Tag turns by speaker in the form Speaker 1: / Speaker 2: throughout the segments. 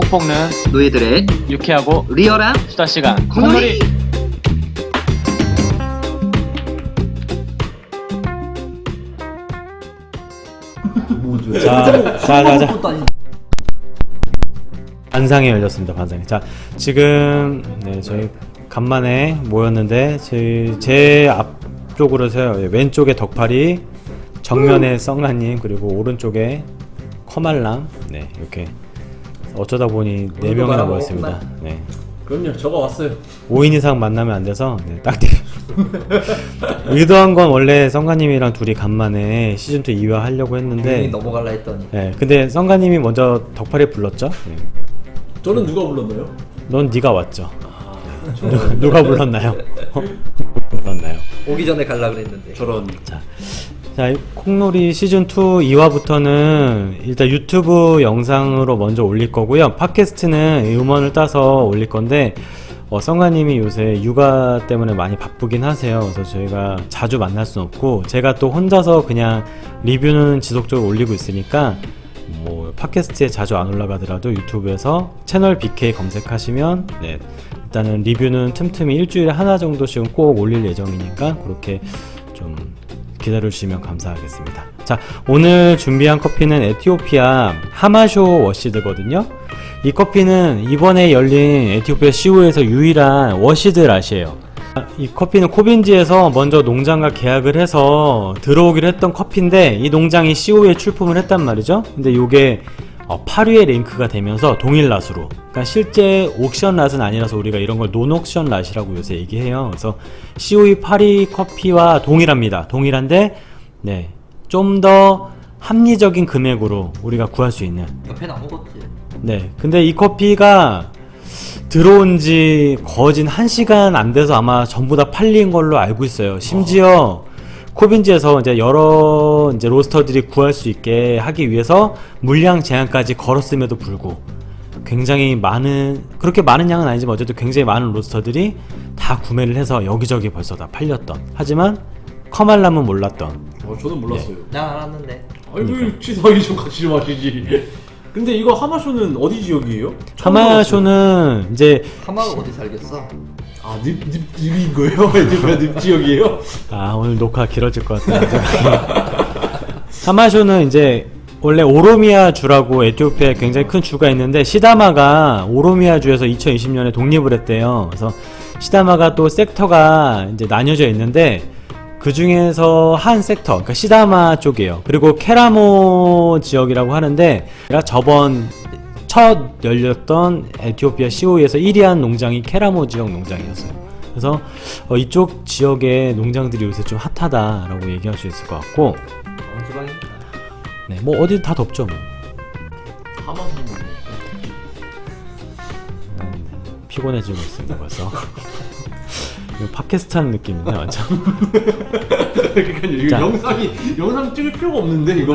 Speaker 1: 꼭 볶는
Speaker 2: 노예들의
Speaker 1: 유쾌하고
Speaker 2: 리얼한
Speaker 1: 수다 시간
Speaker 2: 콩놀이.
Speaker 3: 자. 반상이 열렸습니다. 반상이. 자, 지금 저희 간만에 모였는데 제 앞쪽으로서요. 왼쪽에 덕팔이, 정면에 썽라님, 그리고 오른쪽에 커말람. 네, 이렇게 어쩌다 보니 4명이나 모였습니다. 네.
Speaker 4: 그럼요, 저가 왔어요.
Speaker 3: 5인 이상 만나면 안 돼서 딱 의도한 건 원래 썽가님이랑 둘이 간만에 시즌2 2화 하려고 했는데
Speaker 2: 넘어갈라 했더니
Speaker 3: 네, 근데 썽가님이 먼저 덕팔이 불렀죠. 네.
Speaker 4: 저는 누가 불렀나요?
Speaker 3: 넌 네가 왔죠. 누가 불렀나요? 불렀나요?
Speaker 2: 오기 전에 갈라 그랬는데
Speaker 4: 저런.
Speaker 3: 자, 콩놀이 시즌2 2화부터는 일단 유튜브 영상으로 먼저 올릴 거고요. 팟캐스트는 음원을 따서 올릴 건데 썽가님이 요새 육아 때문에 많이 바쁘긴 하세요. 그래서 저희가 자주 만날 수는 없고, 제가 또 혼자서 그냥 리뷰는 지속적으로 올리고 있으니까 뭐 팟캐스트에 자주 안 올라가더라도 유튜브에서 채널 BK 검색하시면 일단은 리뷰는 틈틈이 일주일에 하나 정도씩은 꼭 올릴 예정이니까 그렇게 좀 기다려주시면 감사하겠습니다. 자, 오늘 준비한 커피는 에티오피아 하마쇼 워시드거든요. 이 커피는 이번에 열린 에티오피아 시우에서 유일한 워시드 랏이에요. 이 커피는 코빈지에서 먼저 농장과 계약을 해서 들어오기로 했던 커피인데, 이 농장이 시우에 출품을 했단 말이죠. 근데 이게 8위에 랭크가 되면서 동일 랏으로, 그러니까 실제 옥션 랏은 아니라서 우리가 이런 걸 논옥션 랏이라고 요새 얘기해요. 그래서 COE 8위 커피와 동일합니다. 동일한데 좀 더 합리적인 금액으로 우리가 구할 수 있는.
Speaker 2: 옆에 안 먹었지.
Speaker 3: 근데 이 커피가 들어온 지 거진 1시간 안 돼서 아마 전부 다 팔린 걸로 알고 있어요. 심지어 코빈지에서 이제 여러 로스터들이 구할 수 있게 하기 위해서 물량 제한까지 걸었음에도 불구하고 굉장히 많은, 그렇게 많은 양은 아니지만 어쨌든 굉장히 많은 로스터들이 다 구매를 해서 여기저기 벌써 다 팔렸던, 하지만 커말람은 몰랐던.
Speaker 4: 저는 몰랐어요.
Speaker 2: 난 알았는데.
Speaker 4: 아이고, 취사하기 좀 같이 좀 하시지. 근데 이거 하마쇼는 어디 지역이에요?
Speaker 3: 하마쇼는 이제
Speaker 2: 하마가 어디 살겠어?
Speaker 4: 아, 늪인 거예요? 에티오피아 늪 지역이에요?
Speaker 3: 오늘 녹화 길어질 것 같다는 생각이. 하마쇼는 이제 원래 오로미아 주라고 에티오피아에 굉장히 큰 주가 있는데, 시다마가 오로미아 주에서 2020년에 독립을 했대요. 그래서 시다마가 또 섹터가 이제 나뉘어져 있는데, 그 중에서 한 섹터, 그러니까 시다마 쪽이에요. 그리고 케라모 지역이라고 하는데, 저번 첫 열렸던 에티오피아 COE에서 1위한 농장이 케라모 지역 농장이었어요. 그래서 이쪽 지역의 농장들이 요새 좀 핫하다라고 얘기할 수 있을 것 같고,
Speaker 2: 지방입니다.
Speaker 3: 뭐 어디 다 덥죠 뭐.
Speaker 4: 하마쇼는
Speaker 3: 피곤해지고 있습니다 벌써. 이거 팟캐스트 하는 느낌인데 완전.
Speaker 4: 그러니까 이거
Speaker 3: 자.
Speaker 4: 영상 찍을 필요가 없는데 이거.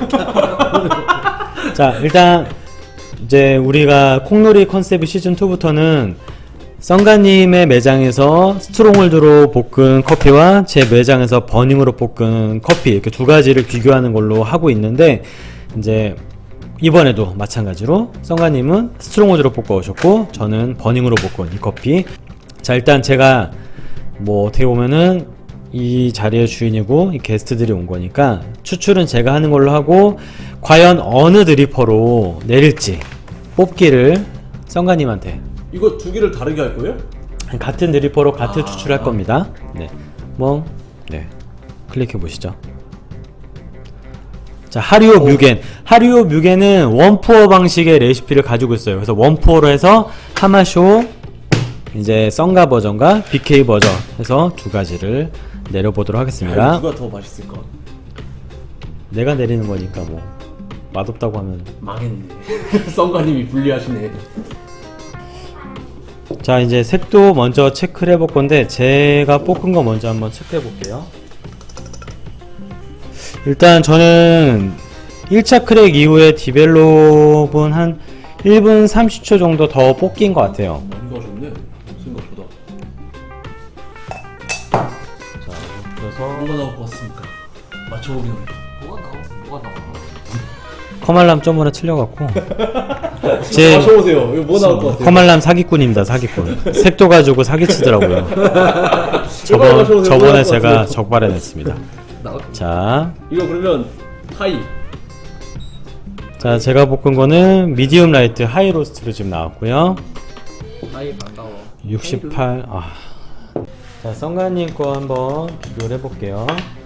Speaker 3: 자, 일단 이제 우리가 콩놀이 컨셉 시즌 2부터는 썽가님의 매장에서 스트롱홀드로 볶은 커피와 제 매장에서 버닝으로 볶은 커피, 이렇게 두 가지를 비교하는 걸로 하고 있는데, 이제 이번에도 마찬가지로 썽가님은 스트롱홀드로 볶아 오셨고 저는 버닝으로 볶은 이 커피. 자, 일단 제가 뭐 어떻게 보면은 이 자리의 주인이고 이 게스트들이 온 거니까 추출은 제가 하는 걸로 하고, 과연 어느 드리퍼로 내릴지 뽑기를 썽가님한테.
Speaker 4: 이거 두 개를 다르게 할 거예요?
Speaker 3: 같은 드리퍼로 같은 추출할 겁니다. 클릭해 보시죠. 자, 하리오 뮤겐. 하리오 뮤겐은 원푸어 방식의 레시피를 가지고 있어요. 그래서 원푸어로 해서 하마쇼, 이제 썽가 버전과 BK 버전 해서 두 가지를 내려보도록 하겠습니다.
Speaker 4: 누가 더 맛있을까?
Speaker 3: 내가 내리는 거니까 뭐 맛없다고 하면.
Speaker 4: 망했네. 썽가님이 불리하시네.
Speaker 3: 자, 이제 색도 먼저 체크를 해볼 건데, 제가 볶은 거 먼저 한번 체크해 볼게요. 일단 저는 1차 크랙 이후에 디벨롭은 한 1분 30초 정도 더 볶인 것 같아요.
Speaker 4: 많이 넣으셨네, 생각보다.
Speaker 3: 자, 그래서
Speaker 4: 뭐가 나올 것 같습니까? 맞춰보기는.
Speaker 2: 뭐가 나와?
Speaker 3: 커말람 좀 하나 틀려갖고 제
Speaker 4: 마셔보세요. 이거 뭐 나올 것 같아요?
Speaker 3: 허말람 사기꾼입니다. 사기꾼. 색도 가지고 사기치더라고요.
Speaker 4: 마셔보세요.
Speaker 3: 저번에
Speaker 4: 뭐 나올 것
Speaker 3: 제가
Speaker 4: 같아요?
Speaker 3: 적발해냈습니다.
Speaker 2: 나올
Speaker 3: 자,
Speaker 4: 이거 그러면 하이.
Speaker 3: 자 제가 볶은 거는 미디움 라이트 하이 로스트로 지금 나왔고요.
Speaker 2: 아이 반가워.
Speaker 3: 68. 아. 자, 썬가님 거 한번 비교를 해볼게요.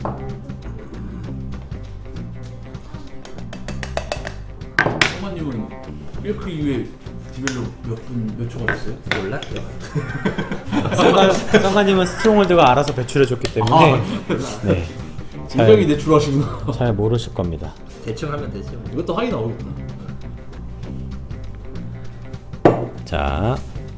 Speaker 4: 성만님은 1크 이후에 디벨로 몇 초가 됐어요?
Speaker 2: 몰라.
Speaker 3: 썬가님은 스트롱홀드가 알아서 배출해줬기 때문에 네,
Speaker 4: 굉장히 내추럴하시구나.
Speaker 3: 잘 모르실 겁니다.
Speaker 2: 대충 하면 되지. 뭐.
Speaker 4: 이것도 하이 나오겠구나.
Speaker 3: 자,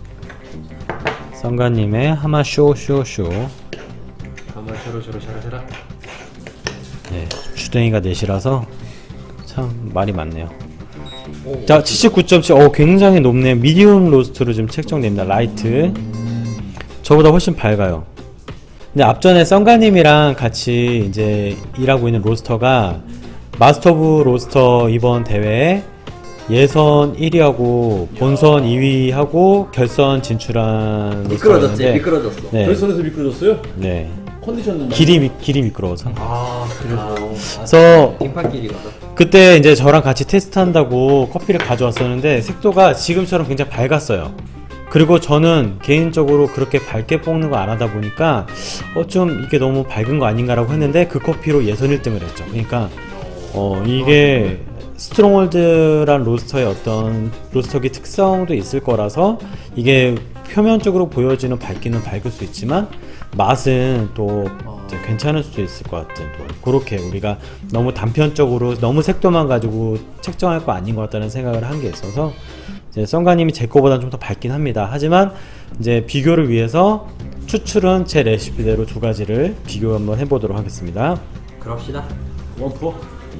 Speaker 3: 썬가님의 하마 쇼쇼쇼.
Speaker 4: 가만 샤라샤라.
Speaker 3: 네, 주댕이가 넷이라서 참 말이 많네요.
Speaker 2: 오,
Speaker 3: 자, 79.7. 굉장히 높네요. 미디움 로스트로 지금 책정됩니다. 라이트. 저보다 훨씬 밝아요. 근데 앞전에 썬가님이랑 같이 이제 일하고 있는 로스터가 마스터 오브 로스터 이번 대회에 예선 1위하고 본선 2위하고 결선 진출한
Speaker 2: 미끄러졌지.
Speaker 3: 로스터였는데
Speaker 2: 미끄러졌어.
Speaker 3: 네.
Speaker 4: 결선에서 미끄러졌어요?
Speaker 3: 네.
Speaker 4: 컨디션은
Speaker 3: 길이 미끄러워서.
Speaker 2: 아 그래서.
Speaker 3: 그래서
Speaker 2: 빙판길이거든.
Speaker 3: 그때 이제 저랑 같이 테스트한다고 커피를 가져왔었는데 색도가 지금처럼 굉장히 밝았어요. 그리고 저는 개인적으로 그렇게 밝게 볶는 거 안 하다 보니까 좀 이게 너무 밝은 거 아닌가라고 했는데 그 커피로 예선 1등을 했죠. 그러니까 이게 스트롱홀드란 로스터의 어떤 로스터기 특성도 있을 거라서 이게 표면적으로 보여지는 밝기는 밝을 수 있지만 맛은 또 이제 괜찮을 수도 있을 것 같은, 또 그렇게 우리가 너무 단편적으로 너무 색도만 가지고 책정할 거 아닌 것 같다는 생각을 한 게 있어서 이제 썬가님이 제 거보다 좀 더 밝긴 합니다. 하지만 이제 비교를 위해서 추출은 제 레시피대로 두 가지를 비교 한번 해보도록 하겠습니다.
Speaker 2: 그럽시다.
Speaker 4: 원프로?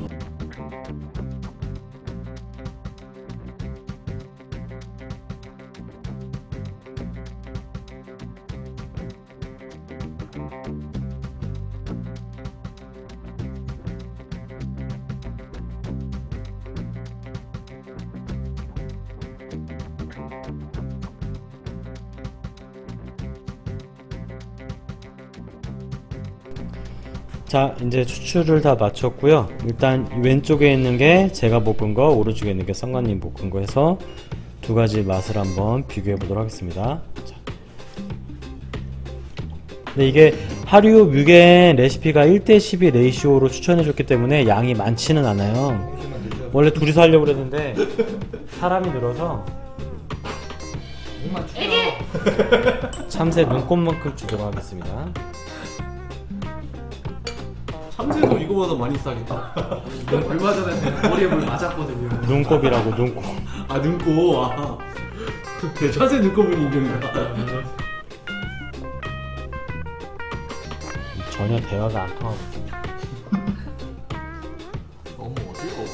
Speaker 3: 자, 이제 추출을 다 마쳤고요. 일단 왼쪽에 있는 게 제가 볶은 거, 오른쪽에 있는 게 썬가님 볶은 거 해서 두 가지 맛을 한번 비교해 보도록 하겠습니다. 자. 근데 이게 하류 뮤겐 레시피가 1대12 레이시오로 추천해 줬기 때문에 양이 많지는 않아요. 원래 둘이서 하려고 그랬는데 사람이 늘어서
Speaker 2: 목만 축여.
Speaker 3: 참새 눈곱만큼 주도록 하겠습니다.
Speaker 4: 참새도 이거보다 많이 싸겠다.
Speaker 2: 얼마 전에 머리에 물 맞았거든요.
Speaker 3: 눈곱이라고, 눈곱.
Speaker 4: 아 눈곱. 아. 네, 참새 눈곱은 인정이다.
Speaker 3: 전혀 대화가 안 통하고 있어요.
Speaker 2: 너무 어지러워.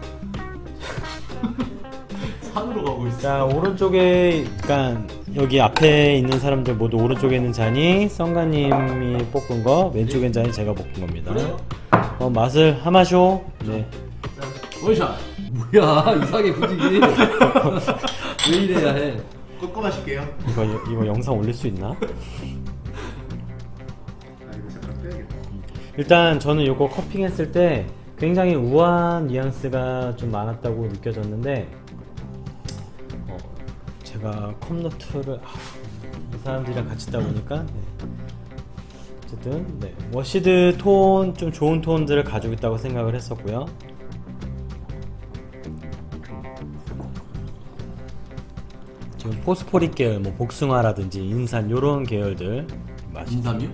Speaker 4: 산으로 가고 있어.
Speaker 3: 자, 오른쪽에, 그러니까 여기 앞에 있는 사람들 모두 오른쪽에 있는 잔이 썬가님이 볶은 거, 왼쪽에 있는 잔이 제가 볶은 겁니다. 맛을 하마쇼. 네.
Speaker 4: 원샷.
Speaker 2: 뭐야 이상해 분위기. 왜 이래야 해?
Speaker 1: 꺾어 마실게요.
Speaker 3: 이거 영상 올릴 수 있나?
Speaker 1: 아 이거 잠깐 빼야겠다.
Speaker 3: 일단 저는 이거 커핑했을 때 굉장히 우아한 뉘앙스가 좀 많았다고 느껴졌는데 제가 컵노트를 이 사람들이랑 같이 있다 보니까 네. 어쨌든 네. 워시드 톤, 좀 좋은 톤들을 가지고 있다고 생각을 했었고요. 지금 포스포릭 계열, 뭐 복숭아라든지 인산 요런 계열들 맛이
Speaker 4: 인삼이요?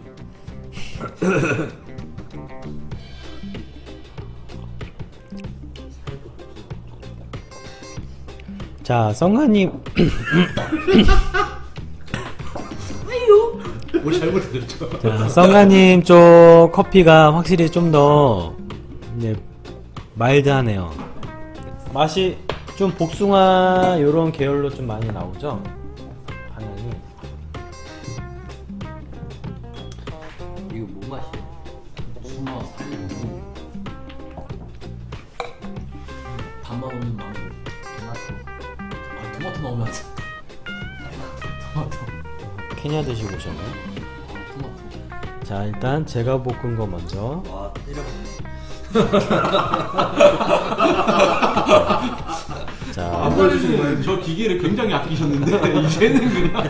Speaker 3: 자, 썬가님
Speaker 4: 뭘 잘못했죠?
Speaker 3: 자, 썬가님 쪽 커피가 확실히 좀 더 마일드하네요. 맛이 좀 복숭아 요런 계열로 좀 많이 나오죠? 방향이.
Speaker 2: 이거 뭔 맛이야?
Speaker 4: 수마 살고 단맛 없는 망고.
Speaker 2: 토마토.
Speaker 4: 토마토 나오면 안 돼. 토마토.
Speaker 3: 케냐 드시고 오셨나요?
Speaker 4: 토마토.
Speaker 3: 자, 일단 제가 볶은 거 먼저.
Speaker 2: 와 때려봤네.
Speaker 3: 자,
Speaker 1: 안 보여주시는 거예요?
Speaker 4: 아까는 저 기계를 굉장히 아끼셨는데 이제는 그냥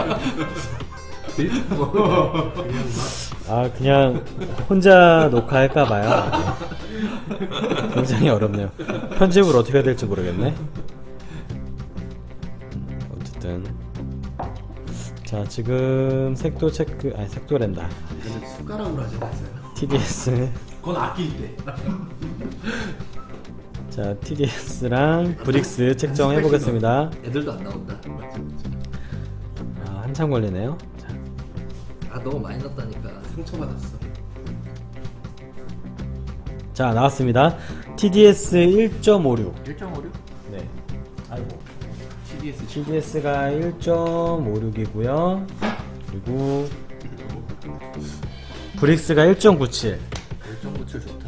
Speaker 3: 아 그냥 혼자 녹화할까 봐요. 굉장히 어렵네요. 편집을 어떻게 해야 될지 모르겠네. 어쨌든 자 지금 색도 체크 아니 색도랜다.
Speaker 1: 이거는 숟가락으로 하지 마세요.
Speaker 3: TDS
Speaker 4: 그건 아낄 때.
Speaker 3: 자 TDS랑 브릭스 책정해 보겠습니다.
Speaker 2: 애들도 안 나온다.
Speaker 3: 아, 한참 걸리네요. 자,
Speaker 2: 아 너무 많이 넣었다니까.
Speaker 1: 상처받았어.
Speaker 3: 자 나왔습니다. TDS 1.56.
Speaker 1: 1.56?
Speaker 3: 네. 아이고.
Speaker 4: TDS
Speaker 3: TDS가 1.56이고요. 그리고 브릭스가 1.97.
Speaker 2: 1.97 좋다.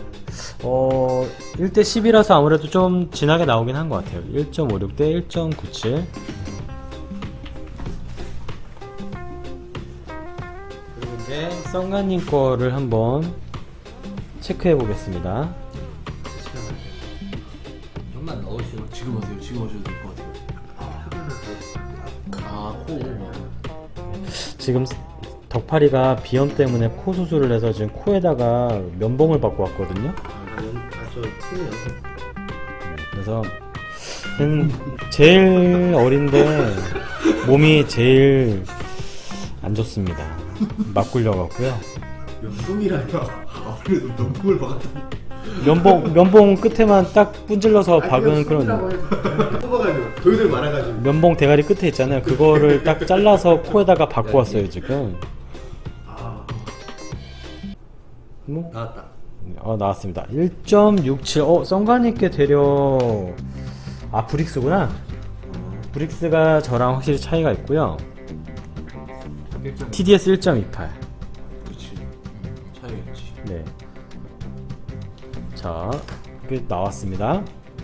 Speaker 3: 1대 10이라서 아무래도 좀 진하게 나오긴 한 것 같아요. 1.56 대 1.97. 그리고 이제 썬가님 거를 한번 체크해 보겠습니다.
Speaker 2: 형만 넣으시오.
Speaker 4: 지금 하세요. 지금 하셔도 될 것 같아요. 아, 코.
Speaker 3: 지금 덕파리가 비염 때문에 코 수술을 해서 지금 코에다가 면봉을 받고 왔거든요.
Speaker 1: 저 팀이요.
Speaker 3: 그래서 제일 어린데 몸이 제일 안 좋습니다. 막 굴려갖고요.
Speaker 1: 연금이라뇨. 아무래도 연금을 박았더니.
Speaker 3: 면봉 끝에만 딱 분질러서 박은 그런
Speaker 1: 뽑아가지고 돌들 많아가지고.
Speaker 3: 면봉 대가리 끝에 있잖아요. 그거를 딱 잘라서 코에다가 박고 왔어요 지금.
Speaker 1: 아,
Speaker 3: 뭐?
Speaker 2: 나왔다.
Speaker 3: 나왔습니다. 1.67. 썬가님께 되려 브릭스구나. 브릭스가 저랑 확실히 차이가 있고요. TDS 1.28.
Speaker 4: 그렇지. 차이가 있지.
Speaker 3: 네. 자, 이렇게 나왔습니다.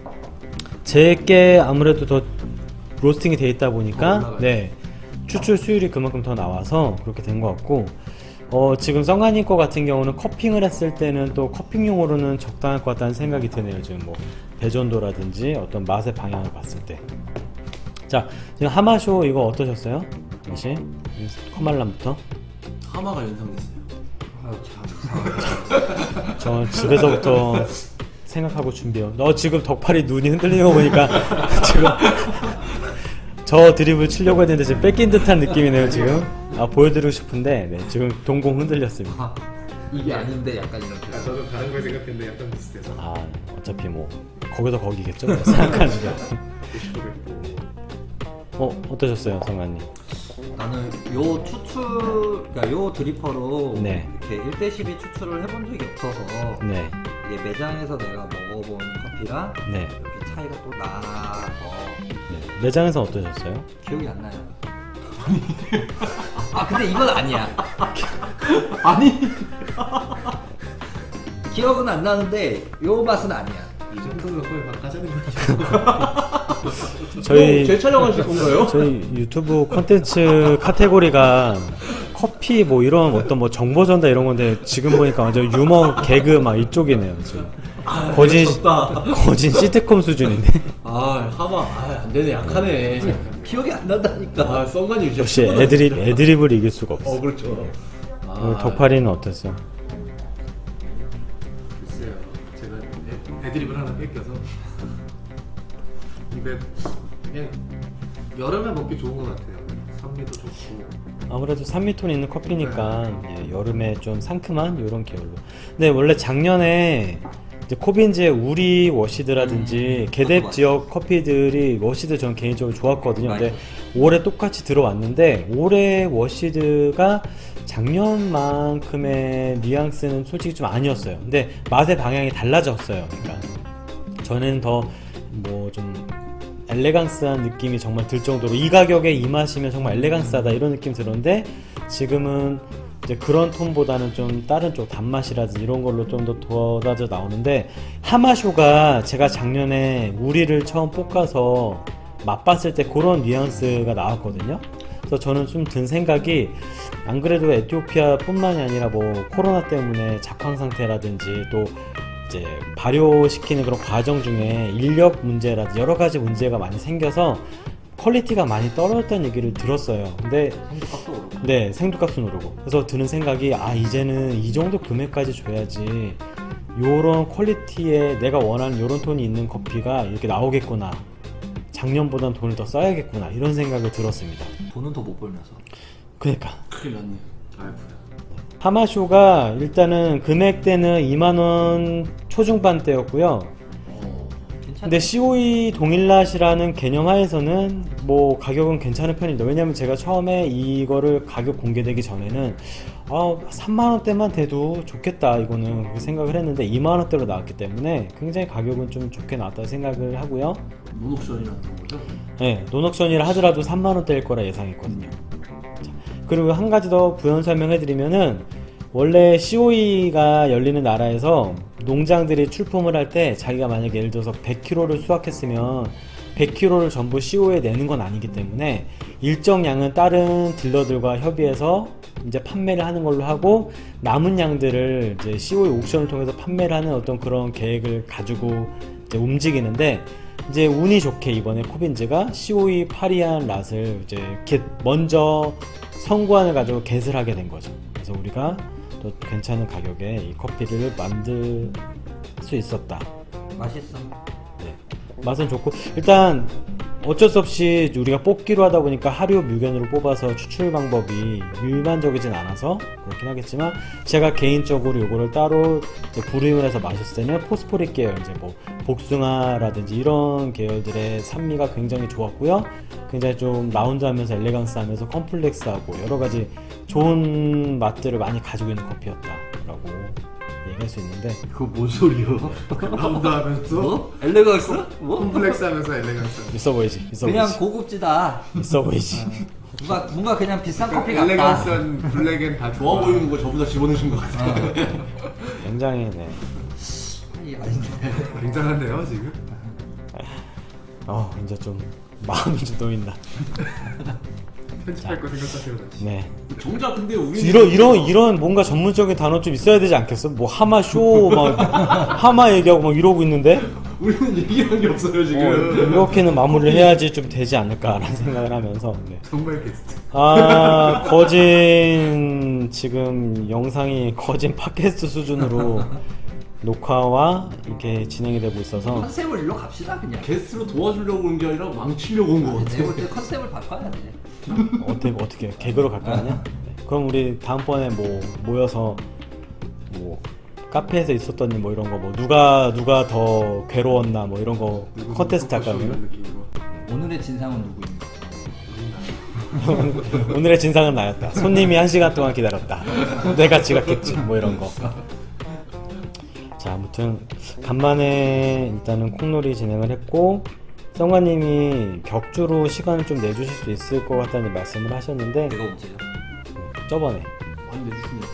Speaker 3: 제게 아무래도 더 로스팅이 돼 있다 보니까 네 추출 수율이 그만큼 더 나와서 그렇게 된 것 같고 지금 썬가님 거 같은 경우는 커핑을 했을 때는 또 커핑용으로는 적당할 것 같다는 생각이 드네요. 지금 뭐 배전도라든지 어떤 맛의 방향을 봤을 때. 자, 지금 하마쇼 이거 어떠셨어요? 다시 커말람부터.
Speaker 4: 하마가 연상됐어요.
Speaker 3: 저 집에서부터 생각하고 준비해요. 지금 덕팔이 눈이 흔들리는 거 보니까 지금 저 드립을 치려고 했는데 지금 뺏긴 듯한 느낌이네요 지금. 보여드리고 싶은데 네, 지금 동공 흔들렸습니다.
Speaker 2: 이게 아닌데 약간 이렇게.
Speaker 1: 저도 다른 걸 생각했는데 약간 비슷해서.
Speaker 3: 어차피 뭐 거기서 거기겠죠 생각하는 게. 어떠셨어요 성관님?
Speaker 2: 나는 요 추출, 그러니까 요 드리퍼로
Speaker 3: 네.
Speaker 2: 이렇게 1대 12 추출을 해본 적이 없어서
Speaker 3: 네.
Speaker 2: 이게 매장에서 내가 먹어본 커피랑
Speaker 3: 네.
Speaker 2: 이렇게 차이가 또 나서
Speaker 3: 네. 매장에서 어떠셨어요?
Speaker 2: 기억이 안 나요. 근데 이건 아니야.
Speaker 4: 아니.
Speaker 2: 기억은 안 나는데 요 맛은 아니야.
Speaker 1: 이 정도면 거의 막 가자는 거죠.
Speaker 3: 저희
Speaker 4: 재촬영하실 건가요?
Speaker 3: 저희 유튜브 콘텐츠 카테고리가 커피 뭐 이런 어떤 뭐 정보 전달 이런 건데 지금 보니까 완전 유머 개그 막 이쪽이네요 지금. 거진 시트콤 수준인데.
Speaker 4: 하마. 안 되네. 약하네.
Speaker 2: 기억이 안 난다니까.
Speaker 4: 썬가님 진짜
Speaker 3: 역시 애드립을 이길 수가 없어.
Speaker 4: 그렇죠.
Speaker 3: 오늘 덕팔이는 어땠어요?
Speaker 1: 글쎄요. 제가 애드립을 하나 뺏겨서. 근데 그냥 여름에 먹기 좋은 것 같아요. 산미도 좋고.
Speaker 3: 아무래도 산미톤 있는 커피니까 예, 여름에 좀 상큼한 이런 계열로. 근데 원래 작년에 이제 코빈즈의 우리 워시드라든지 개뎁
Speaker 2: 맞아.
Speaker 3: 지역 커피들이 워시드 전 개인적으로 좋았거든요. 근데 올해 똑같이 들어왔는데 올해 워시드가 작년만큼의 뉘앙스는 솔직히 좀 아니었어요. 근데 맛의 방향이 달라졌어요. 그러니까 저는 더 뭐 좀 엘레강스한 느낌이 정말 들 정도로 이 가격에 이 맛이면 정말 엘레강스하다 이런 느낌 들었는데 지금은 이제 그런 톤보다는 좀 다른 쪽 단맛이라든지 이런 걸로 좀 더 돋아져 나오는데 하마쇼가 제가 작년에 우리를 처음 볶아서 맛봤을 때 그런 뉘앙스가 나왔거든요. 그래서 저는 좀 든 생각이 안 그래도 에티오피아뿐만이 아니라 뭐 코로나 때문에 작황 상태라든지 또 이제 발효시키는 그런 과정 중에 인력 문제라든지 여러 가지 문제가 많이 생겨서 퀄리티가 많이 떨어졌다는 얘기를 들었어요. 근데
Speaker 4: 생두값도 오르고.
Speaker 3: 네, 생두값은 오르고. 그래서 드는 생각이 이제는 이 정도 금액까지 줘야지 요런 퀄리티에 내가 원하는 요런 톤이 있는 커피가 이렇게 나오겠구나. 작년보단 돈을 더 써야겠구나. 이런 생각을 들었습니다.
Speaker 2: 돈은 더 못 벌면서.
Speaker 3: 그러니까
Speaker 4: 큰일 났네.
Speaker 1: 아이고야.
Speaker 3: 하마쇼가 일단은 금액대는 2만원 초중반대였고요.
Speaker 2: 괜찮아.
Speaker 3: 근데 COE 동일낫이라는 개념 하에서는 뭐 가격은 괜찮은 편입니다. 왜냐면 제가 처음에 이거를 가격 공개되기 전에는 3만원대만 돼도 좋겠다 이거는 그렇게 생각을 했는데 2만원대로 나왔기 때문에 굉장히 가격은 좀 좋게 나왔다고 생각을 하고요.
Speaker 4: 논옥션이라는 거죠?
Speaker 3: 네, 논옥션이라 하더라도 3만원대일 거라 예상했거든요. 자, 그리고 한 가지 더 부연 설명해드리면은 원래 COE가 열리는 나라에서 농장들이 출품을 할 때 자기가 만약에 예를 들어서 100kg를 수확했으면 100kg를 전부 COE에 내는 건 아니기 때문에 일정 양은 다른 딜러들과 협의해서 이제 판매를 하는 걸로 하고 남은 양들을 이제 COE 옥션을 통해서 판매를 하는 어떤 그런 계획을 가지고 이제 움직이는데 이제 운이 좋게 이번에 코빈즈가 COE 파리안 랏을 이제 먼저 선구안을 가지고 겟을 하게 된 거죠. 그래서 우리가 또 괜찮은 가격에 이 커피를 만들 수 있었다.
Speaker 2: 맛있어.
Speaker 3: 네. 맛은 좋고 일단 어쩔 수 없이 우리가 뽑기로 하다 보니까 하류 뮤견으로 뽑아서 추출 방법이 일반적이진 않아서 그렇긴 하겠지만 제가 개인적으로 요거를 따로 이제 브루잉을 해서 마셨을 때는 포스포릭 계열 이제 뭐 복숭아라든지 이런 계열들의 산미가 굉장히 좋았고요. 굉장히 좀 라운드하면서 엘레강스하면서 컴플렉스하고 여러 가지 좋은 맛들을 많이 가지고 있는 커피였다라고 얘기할 수 있는데
Speaker 1: 그거 뭔 소리요? 라운드 하면서
Speaker 2: 뭐? 엘레강스? 뭐?
Speaker 1: 콤플렉스 하면서 엘레강스.
Speaker 3: 있어 보이지? 있어
Speaker 2: 그냥
Speaker 3: 보이지?
Speaker 2: 고급지다.
Speaker 3: 있어 보이지?
Speaker 2: 뭔가 그냥 비싼 커피 같다.
Speaker 1: 엘레강스한 블랙엔 다
Speaker 4: 좋아 보이는 거 전부 다 집어넣으신 것 같아요.
Speaker 3: 굉장히 네.
Speaker 2: 이 아닌데.
Speaker 1: 굉장한데요 지금?
Speaker 3: 이제 좀 마음이 좀 놓인다.
Speaker 1: 편집할 거 생각하세요 다시.
Speaker 3: 네.
Speaker 4: 정작 근데 우리
Speaker 3: 이런 뭔가 전문적인 단어 좀 있어야 되지 않겠어? 뭐 하마쇼 막 하마 얘기하고 막 이러고 있는데
Speaker 4: 우리는 얘기한 게 없어요 지금.
Speaker 3: 이렇게는 마무리를 해야지 좀 되지 않을까라는 생각을 하면서 네.
Speaker 1: 정말 게스트.
Speaker 3: 거진 지금 영상이 거진 팟캐스트 수준으로 녹화와 이렇게 진행이 되고 있어서
Speaker 2: 컨셉을 일로 갑시다 그냥.
Speaker 4: 게스트로 도와주려고 온 게 아니라 망치려고 온 것 같아.
Speaker 2: 내가 볼때 컨셉을 바꿔야 돼.
Speaker 3: 어떻게 개그로 갈까 하냐? 네. 그럼 우리 다음번에 뭐 모여서 뭐 카페에서 있었던 일 뭐 이런 거 뭐 누가 더 괴로웠나 뭐 이런 거 컨테스트 할까 그러면?
Speaker 2: 오늘의 진상은 누구입니까?
Speaker 3: 오늘의 진상은 나였다. 손님이 1시간 동안 기다렸다. 내가 지각했지. 뭐 이런 거. 자, 아무튼 간만에 일단은 콩놀이 진행을 했고 성관님이 격주로 시간을 좀 내주실 수 있을 것 같다는 말씀을 하셨는데
Speaker 2: 내가 언제요?
Speaker 3: 저번에
Speaker 4: 많이 내주시면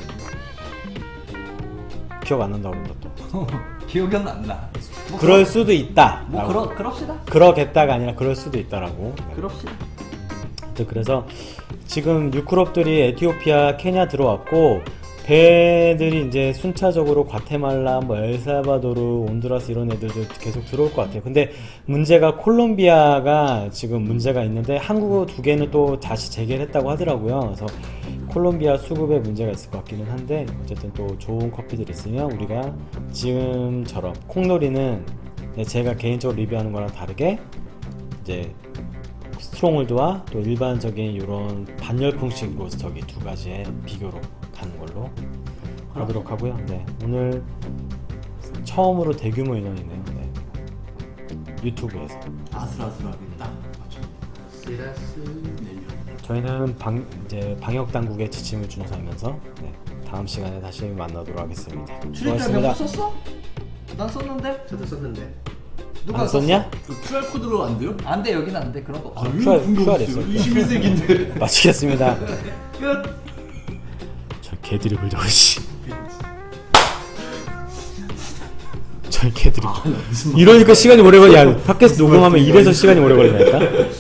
Speaker 3: 기억 안 난다고 그런다 또.
Speaker 2: 기억이 안 나. 뭐
Speaker 3: 그럴 수도 있다.
Speaker 2: 뭐
Speaker 3: 라고.
Speaker 2: 그럽시다.
Speaker 3: 그러겠다가 아니라 그럴 수도 있다라고. 네.
Speaker 2: 그럽시다.
Speaker 3: 그래서 지금 유크롭들이 에티오피아, 케냐 들어왔고 배들이 이제 순차적으로 과테말라, 뭐 엘살바도르, 온두라스 이런 애들도 계속 들어올 것 같아요. 근데 문제가 콜롬비아가 지금 문제가 있는데 한국어 2개는 또 다시 재개했다고 하더라고요. 그래서 콜롬비아 수급에 문제가 있을 것 같기는 한데 어쨌든 또 좋은 커피들이 있으면 우리가 지금처럼 콩놀이는 제가 개인적으로 리뷰하는 거랑 다르게 이제 스트롱홀드와 또 일반적인 이런 반열풍식 로스터기 2가지의 비교로 가는 걸로 하도록 하고요. 네, 오늘 처음으로 대규모 인원이네요. 네. 유튜브에서
Speaker 4: 아슬아슬하게 딱 맞춰.
Speaker 1: 시라스.
Speaker 4: 내면.
Speaker 3: 저희는 이제 방역 당국의 지침을 준수하면서 네, 다음 시간에 다시 만나도록 하겠습니다.
Speaker 2: 출입자 명부 썼어? 난 썼는데?
Speaker 1: 저도 썼는데.
Speaker 2: 누가
Speaker 3: 안 썼냐?
Speaker 4: 그 QR 코드로 안 돼요?
Speaker 2: 안 돼, 여기는 안 돼. 그런 거 없어.
Speaker 3: QR 있어요.
Speaker 4: 21세기인데.
Speaker 3: 마치겠습니다.
Speaker 2: 끝.
Speaker 3: 저 개드립을 저씨. 저희 개들이
Speaker 4: 무슨
Speaker 3: 이러니까 시간이 오래 걸려. 야 팟캐스트 녹음하면 이래서 시간이 오래 걸린다니까.